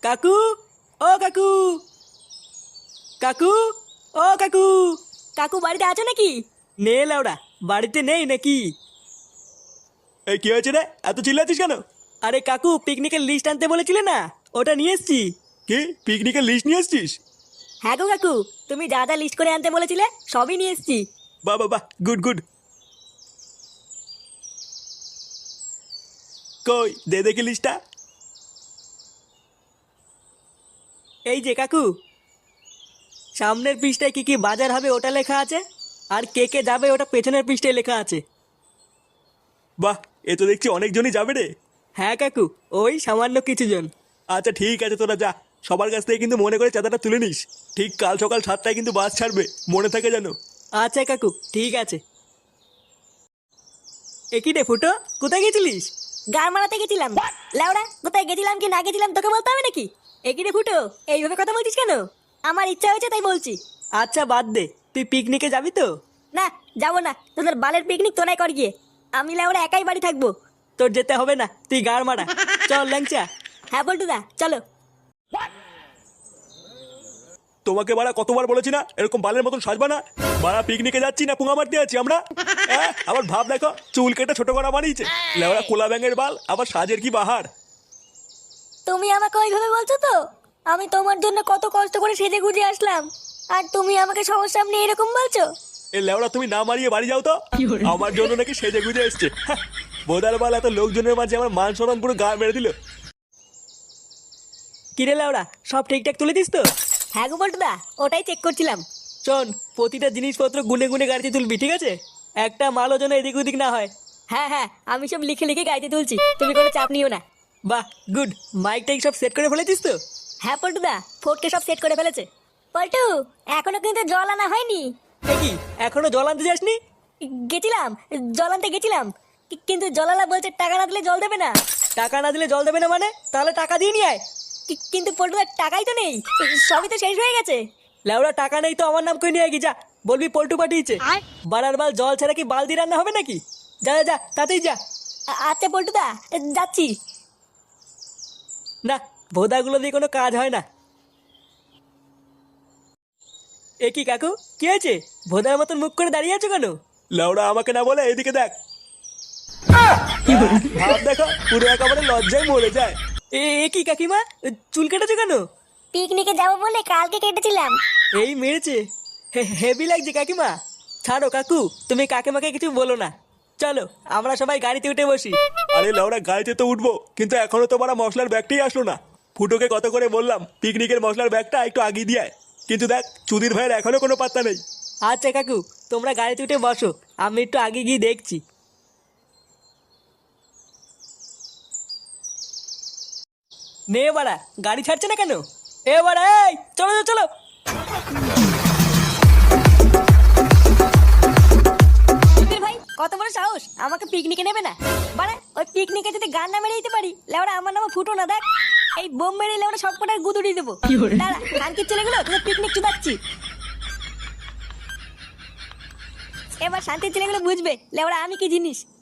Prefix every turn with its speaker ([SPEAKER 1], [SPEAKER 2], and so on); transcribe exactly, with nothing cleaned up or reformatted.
[SPEAKER 1] কাকু, ও কাকু, কাকু, ও কাকু।
[SPEAKER 2] কাকু বাড়িতে আছো নাকি?
[SPEAKER 1] নে লাউডা, বাড়িতে নেই নাকি?
[SPEAKER 3] এই কি হয়েছে রে, এত চিল্লাচ্ছিস কেন?
[SPEAKER 1] আরে কাকু, পিকনিকের লিস্ট আনতে বলেছিলে না, ওটা নিয়ে এসছি।
[SPEAKER 3] কি পিকনিকের লিস্ট নিয়ে এসছিস?
[SPEAKER 2] হ্যাঁ গো কাকু, তুমি যা যা লিস্ট করে আনতে বলেছিলে সবই নিয়ে এসেছি।
[SPEAKER 3] বাহ বাহ বাহ, গুড গুড। কই দে দেখি লিস্টটা।
[SPEAKER 1] এই যে কাকু, সামনের পৃষ্ঠায় কি কি বাজার হবে ওটা লেখা আছে, আর কে কে যাবে ওটা পেছনের পৃষ্ঠায় লেখা আছে।
[SPEAKER 3] বাহ, এ তো দেখছি অনেকজনই যাবে রে।
[SPEAKER 1] হ্যাঁ কাকু, ওই সামান্য কিছু জন।
[SPEAKER 3] আচ্ছা ঠিক আছে, তোরা যা, সবার কাছ থেকে কিন্তু মনে করে চাঁদাটা তুলে নিস। ঠিক কাল সকাল সাতটায় কিন্তু বাস ছাড়বে, মনে থাকে যেন।
[SPEAKER 1] আচ্ছা কাকু, ঠিক আছে। একই রে ফুটো, কোথায় গেছিলিস?
[SPEAKER 2] গান মারাতে গেছিলাম। লাউড়া, কোথায় গেছিলাম কি না গেছিলাম তোকে বলতে হবে নাকি? এগিয়ে ফুটো, এইভাবে কথা বলছিস কেন? আমার ইচ্ছা হয়েছে তাই বলছি।
[SPEAKER 1] আচ্ছা বাদ দে, তুই পিকনিকে যাবি তো?
[SPEAKER 2] না, যাবো না, তোদের বালের পিকনিক তোরাই কর গিয়ে। আমি লাউড়া একাই বাড়ি থাকবো।
[SPEAKER 1] তোর যেতে হবে না, তুই গাড় মারা। চল ল্যাংচা।
[SPEAKER 2] হ্যাঁ বল্টুদা, চলো।
[SPEAKER 3] তোমাকে বাড়া কতবার বলেছি না এরকম বালের মতন সাজবা না। বাড়া পিকনিকে যাচ্ছি না পুঙা মারতে আছি আমরা? হ্যাঁ, আবার ভাব দেখো, চুল কেটে ছোট করা বানিয়েছে, লেওড়া কোলা ব্যাঙের বাল, আবার সাজের কি বাহার।
[SPEAKER 2] তুমি আমাকে ওইভাবে বলছো তো? আমি তোমার জন্য কত কষ্ট করে সেজে গুজে আসলাম, আর তুমি আমাকে সবার সামনে এরকম বলছো?
[SPEAKER 3] এ লেওড়া তুমি না মারিয়ে বাড়ি যাও তো। আমার জন্য নাকি সেজে গুজে এসছে। হ্যাঁ, বোদার বাল এত লোকজনের মাঝে আমার মান সম্মান পুরো গা মেরে দিল।
[SPEAKER 1] কিরে লাউড়া, সব ঠিকঠাক তুলে দিস তো?
[SPEAKER 2] হ্যাঁ গো বল্টুদা, ওটাই চেক করছিলাম।
[SPEAKER 1] শোন, প্রতিটা জিনিসপত্র গুনে গুনে গাড়িতে তুলবি, ঠিক আছে? একটা মালও যেন এদিক ওদিক না হয়।
[SPEAKER 2] হ্যাঁ হ্যাঁ, আমি সব লিখে লিখে গাইতে তুলছি, তুমি কোনো চাপ নিও না।
[SPEAKER 1] বাহ, গুড। মাইক টাইক সব সেট করে ফেলেছিস তো?
[SPEAKER 2] হ্যাঁ পল্টুদা, ফোর্টকে সব সেট করে ফেলেছে। পল্টু, এখনো কিন্তু জল আনা হয়নি।
[SPEAKER 1] এ কি, এখনো জল আনতে যাসনি?
[SPEAKER 2] গেছিলাম, জল আনতে গেছিলাম, কি- কিন্তু জলালা বলছে টাকা না দিলে জল দেবে না।
[SPEAKER 1] টাকা না দিলে জল দেবে না মানে? তাহলে টাকা দিয়ে নিয়ে আয়।
[SPEAKER 2] কি- কিন্তু পল্টুদার টাকাই তো নেই, সবই তো শেষ হয়ে গেছে।
[SPEAKER 1] লেওড়া, টাকা নেই তো আমার নাম করে নিয়ে আয়, যা। বলবি পল্টু পাঠিয়েছে। বাড়ার বাল, জল ছাড়া কি বালতি রান্না হবে নাকি? যা যা যা, তাতেই যা।
[SPEAKER 2] আ- আচ্ছা পল্টুদা, যাচ্ছি।
[SPEAKER 1] না, ভোদাগুলো দিয়ে কোনো কাজ হয় না। এ কি কাকু, কি হয়েছে? ভোদার মতন মুখ করে দাঁড়িয়ে আছো কেন?
[SPEAKER 3] লেওড়া আমাকে না বলে এদিকে দেখ। ভাব দেখো, পুরো একেবারে লজ্জায় মরে যায়।
[SPEAKER 1] এ এ কি কাকিমা, চুল কেটেছো কেন?
[SPEAKER 2] পিকনিকে যাবো বলে কালকে কেটেছিলাম।
[SPEAKER 1] এই মেরেছে, হেভি লাগছে কাকিমা। ছাড়ো কাকু, তুমি কাকিমাকে কিছু বলো না। চলো আমরা সবাই গাড়িতে উঠে বসি।
[SPEAKER 3] আরে লেওড়া, গাড়িতে তো উঠবো, কিন্তু এখনো তো বারা মশলার ব্যাগটাই আসলো না। ফুটোকে কত করে বললাম পিকনিকের মশলার ব্যাগটা একটু আগিয়ে দিয়ে আয়, কিন্তু দেখ চুদির ভাইয়ের এখনো কোনো পাত্তা নেই।
[SPEAKER 1] আচ্ছা কাকু, তোমরা গাড়িতে উঠে বসো, আমি একটু আগে গিয়ে দেখছি। নে বাড়া, গাড়ি ছাড়ছে না কেন? এ বাড়া, এই চলো চলো চলো।
[SPEAKER 2] সুধীর ভাই, কত বড় সাহস, আমাকে পিকনিকে নেবে না? বাড়া, ওই পিকনিকে যদি গান না মেরে দিতে পারি, লেওড়া আমার নামে ফুটো না দেখ। এই বোম মেরে লেওড়া সব কটার গুদুড়ি দেবো। দাঁড়া, কানকির ছেলেগুলো তোদের পিকনিক চুদাচ্ছি। এবার শান্তির ছেলেগুলো বুঝবে লেওড়া আমি কি জিনিস।